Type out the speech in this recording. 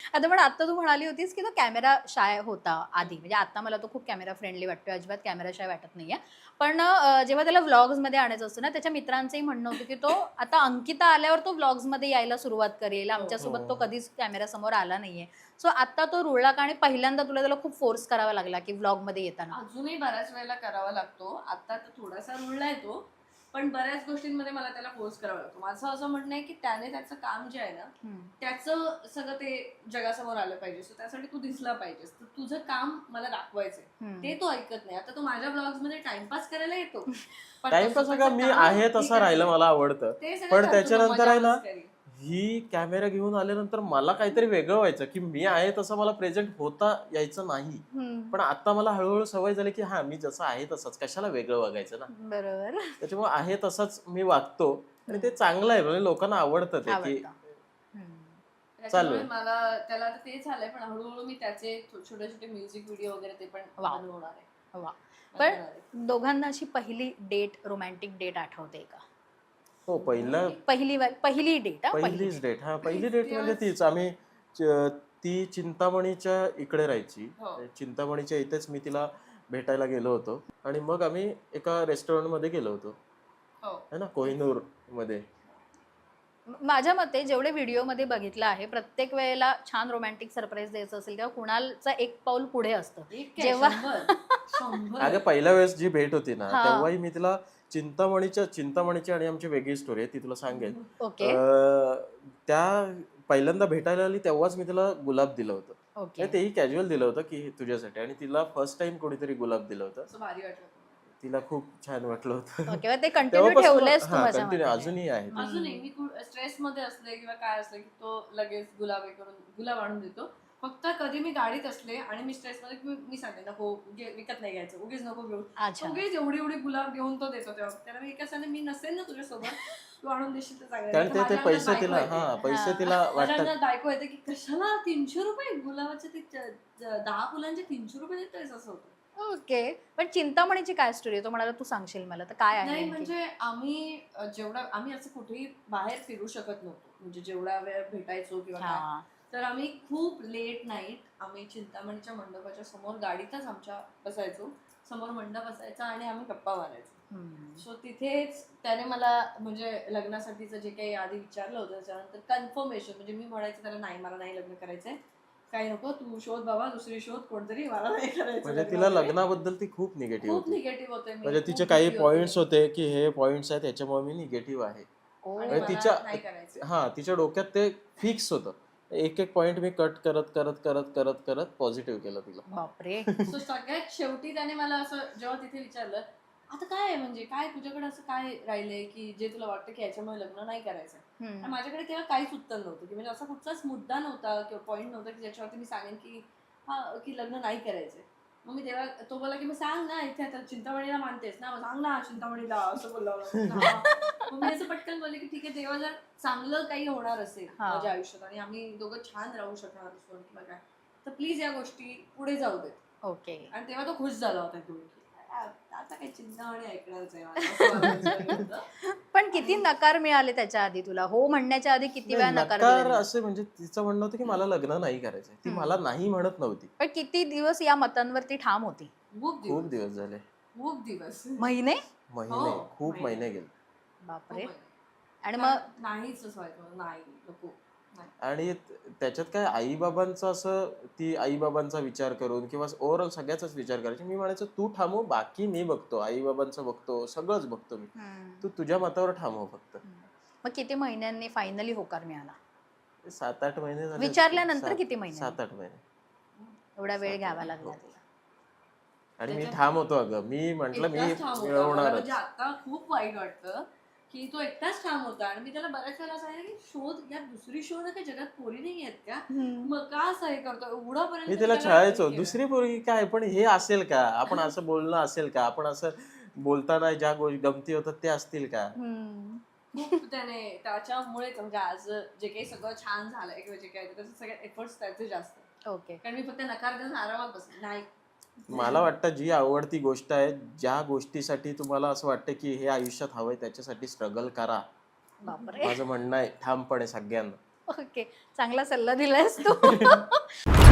आता पण आता तू म्हणाली होतीस की तो कॅमेरा शाय होता आधी, म्हणजे आता मला तो खूप कॅमेरा फ्रेंडली वाटतोय, अजिबात कॅमेरा शाय वाटत नाहीये. पण जेव्हा त्याला व्लॉग्समध्ये आणायचं असतं ना, त्याच्या मित्रांचंही म्हणणं होतं की तो आता अंकिता आल्यावर तो व्लॉग्समध्ये यायला सुरुवात करेल, हो. आमच्यासोबत तो कधीच कॅमेरासमोर आला नाहीये. सो आता तो रुळला का आणि पहिल्यांदा तुला त्याला खूप फोर्स करावा लागला की व्लॉगमध्ये येताना? अजूनही बऱ्याच वेळेला करावा लागतो. आता तर थोडासा रुळलाय तो. पण बऱ्याच गोष्टींमध्ये मला त्याला फोर्स करावा लागतो. माझं असं म्हणणं आहे की त्याने त्याचं काम जे आहे ना, त्याचं सगळं ते जगासमोर आलं पाहिजे. सो त्यासाठी तू दिसला पाहिजेस. तर तुझं काम मला दाखवायचंय. ते तो ऐकत नाही. आता तो माझ्या ब्लॉग्स मध्ये टाइमपास करायला येतो. पण तो टाइमपास का स्वतःचं मी काम आहे मी तसं करते. राहिलं मला आवडतं. ते सगळं पण करतो तो त्याच्यानंतर आहे ना, मजा-मस्करी. ही कॅमेरा घेऊन आल्यानंतर मला काहीतरी वेगळं व्हायचं, की मी आहे तसं मला प्रेझेंट होता यायचं नाही. पण आता मला हळूहळू सवय झाली, की मी जसं आहे तसंच, कशाला वेगळं वागायचं ना. बरोबर. त्याच्यामुळे आहे तसंच मी वागतो आणि ते चांगलं आहे, म्हणजे लोकांना आवडतं ते, की आवडतं. चालू त्याच्यामुळे आहे. मला त्याला आता ते झालंय, पण हळूहळू मी त्याचे छोटे छोटे म्युझिक व्हिडिओ वगैरे ते पण वाव. बनवणार आहे. वा. पण बनवणार आहे. दोघांना अशी पहिली डेट, रोमॅन्टिक डेट आठवते का? हो, पहिलं पहिली डेट, पहिली पहिलीच डेट. डेट. पहिली डेट म्हणजे तेव्हाच तीच. ती चिंतामणीच्या इकडे राहायची. हो चिंतामणीच्या इथेच मी तिला भेटायला गेलो होतो आणि मग आम्ही एका रेस्टॉरंटमध्ये गेलो होतो. हो है ना, कोहिनूर मध्ये. माझ्या मते जेवढे व्हिडिओमध्ये बघितलं आहे, प्रत्येक वेळेला छान रोमॅन्टिक सरप्राईज द्यायचं असेल तेव्हा कुणालचा एक पाऊल पुढे असतं. एक काय जेव्हा 100 पहिल्या वेळेस जी भेट होती ना, हा. तेव्हाही मी तिला चिंतामणीची आणि आमची वेगळी स्टोरी आहे, ती तुला सांगेन. ओके. त्या पहिल्यांदा भेटायला आली तेव्हाच मी तिला गुलाब दिलं होतं. ओके. म्हणजे तेही कॅज्युअल दिलं होतं, की हे तुझ्यासाठी, आणि तिला फर्स्ट टाइम कोणीतरी गुलाब दिलं होतं. असं भारी वाटलं. तिला खूप छान वाटलं होतं. ओके. ते कंटिन्यू तेव्हापासून ठेवलंयस तू माझ्या कंटिन्यू मते. अजूनही आहे ते. अजूनही मी स्ट्रेस मध्ये असले किंवा काय असलं की तो लगेच गुलाब हे करून गुलाब आणून देतो. फक्त कधी मी गाडीत असले आणि मी स्ट्रेस मध्ये मी सांगते नको विकत नाही घ्यायचं, उगीच नको घेऊ. अच्छा. उगीच एवढी एवढी गुलाब घेऊन तो देतो. तेव्हा त्याला मी कसं मी नसेल ना तुझ्यासोबत, तू आणून देशील तर चांगलं. कारण नाहीतर ते माझ्या अंगात पैसे बायको तिला येते. पैसे तिला माझ्या वाटतात. अंगात बायको येते की कशाला 300 रुपये गुलाबाचे, ते 10 फुलांचे 300 रुपये देतोयस, असं होतं. ओके. पण चिंतामणीची काय स्टोरी आहे? तो म्हणाला तू सांगशील मला, तर काय आहे नाही नेमकी? म्हणजे आम्ही आम्ही असं कुठेही बाहेर फिरू शकत नव्हतो, म्हणजे जेवढा वेळ भेटायचो किंवा काय. हा. तर आम्ही खूप लेट नाईट आम्ही चिंतामणीच्या मंडपाच्या समोर गाडीतच आमच्या बसायचो. समोर मंडप असायचा आणि आम्ही गप्पा मारायचो. सो तिथेच त्याने मला म्हणजे लग्नासाठीचं जे काही आधी विचारलं होतं, त्याच्यानंतर कन्फर्मेशन, म्हणजे मी म्हणायचं त्याला नाही, मला नाही लग्न करायचंय, काही नको, तू शोध बाबा, दुसरी शोध कोणतरी, मला नाही करायचं. म्हणजे लग्न तिला वगैरे. लग्नाबद्दल ती खूप निगेटिव्ह खूप होती. निगेटिव्ह होते मी, म्हणजे खूप तिचे काही भीती होती. पॉइंट्स होते, की हे पॉइंट्स आहेत त्याच्यामुळे मी निगेटिव्ह आहे. ओ. आणि म्हणजे मला नाही करायचं. तिच्या डोक्यात ते फिक्स होतं. एक एक पॉइंट मी कट करत करत करत करत करत पॉझिटिव्ह केलं तिला. बापरे. सो सगळ्यात शेवटी त्याने मला असं जेव्हा तिथे विचारलं, आता काय आहे, म्हणजे काय तुझ्याकडे असं काय राहिलंय की जे तुला वाटतं की याच्यामुळे लग्न नाही करायचं. आणि माझ्याकडे तेव्हा काहीच उत्तर नव्हतं, की म्हणजे असा कुठचाच मुद्दा नव्हता किंवा पॉईंट नव्हता की ज्याच्यावरती मी सांगेन की की लग्न नाही करायचंय. मग मी तेव्हा तो बोला की मग सांग ना, इथे आता चिंतामणीला मानतेस ना, मग सांग ना चिंतामणीला, असं बोलला मला. मग मी असं पटकन बोलले की ठीक आहे, तेव्हा जर चांगलं काही होणार असेल हा. माझ्या आयुष्यात आणि आम्ही दोघं छान राहू शकणार असतो किंवा काय, तर प्लीज या गोष्टी पुढे जाऊ देत. ओके. आणि तेव्हा तो खुश झाला होता की आता काही चिंतामणी ऐकणारच आहे मला, असं मला विचारलं होतं. पण किती नकार मिळाले त्याच्या आधी तुला? हो म्हणण्याच्या आधी किती वेळा नाही, नकार नकार दिले? असे म्हणजे तिचं म्हणणं होतं की मला लग्न नाही करायचंय. ती मला नाही म्हणत नव्हती. पण किती दिवस या मतांवरती ठाम होती? खूप खूप दिवस, दिवस झाले. खूप दिवस, महिने? महिने, हो, खूप महिने गेले. बापरे. खूप. आणि मग नाहीच असं व्हायचं, नाही नको नाही. आणि त्याच्यात काय आईबाबांचं असं, ती आईबाबांचा विचार करून किंवा ओव्हरऑल सगळ्याचाच विचार करायची. मी म्हणायचो तू थांबव, बाकी मी बघतो, आईबाबांचं बघतो, सगळंच बघतो मी. तू तुझ्या मतावर थांबव फक्त. मग किती महिन्यांनी फायनली होकार मिळाला? 7-8 महिने झाले. विचारल्यानंतर किती महिन्यांनी? 7-8 महिने. एवढा वेळ 7-8 घ्यावा महिने, लागला हो. तिला. आणि मी ठाम होतो अगं. मी म्हंटल मी एकटाच ठाम होता मला, मिळवणारच. म्हणजे आता खूप वाईट वाटतं की तो एकटाच ठाम होता. आणि मी त्याला बऱ्याच वेळा सांगितलं की शोध या, दुसरी शोध आहे का, जगात पोरी नाही आहेत का, मग का असं हे करतो एवढापर्यंत मी मी त्याला त्याला छळायचो, हे केलं. दुसरी पोरगी काय, पण हे असेल का, आपण असं बोलणं असेल का, आपण असं बोलताना ज्या गमती होतात ते असतील का. खूप त्याने त्याच्यामुळेच म्हणजे आज जे काही सगळं छान झालंय किंवा जे काही त्याचे सगळे एफर्ट्स त्याचे जास्त. ओके. कारण मी फक्त नकार देऊन आरामात बसले नाही. मला वाटतं जी आवडती गोष्ट आहे, ज्या गोष्टीसाठी तुम्हाला असं वाटतं की हे आयुष्यात हवंय, त्याच्यासाठी स्ट्रगल करा. बापरे. माझं म्हणणं आहे ठामपणे सगळ्यांना. ओके, चांगला सल्ला दिलायस तू.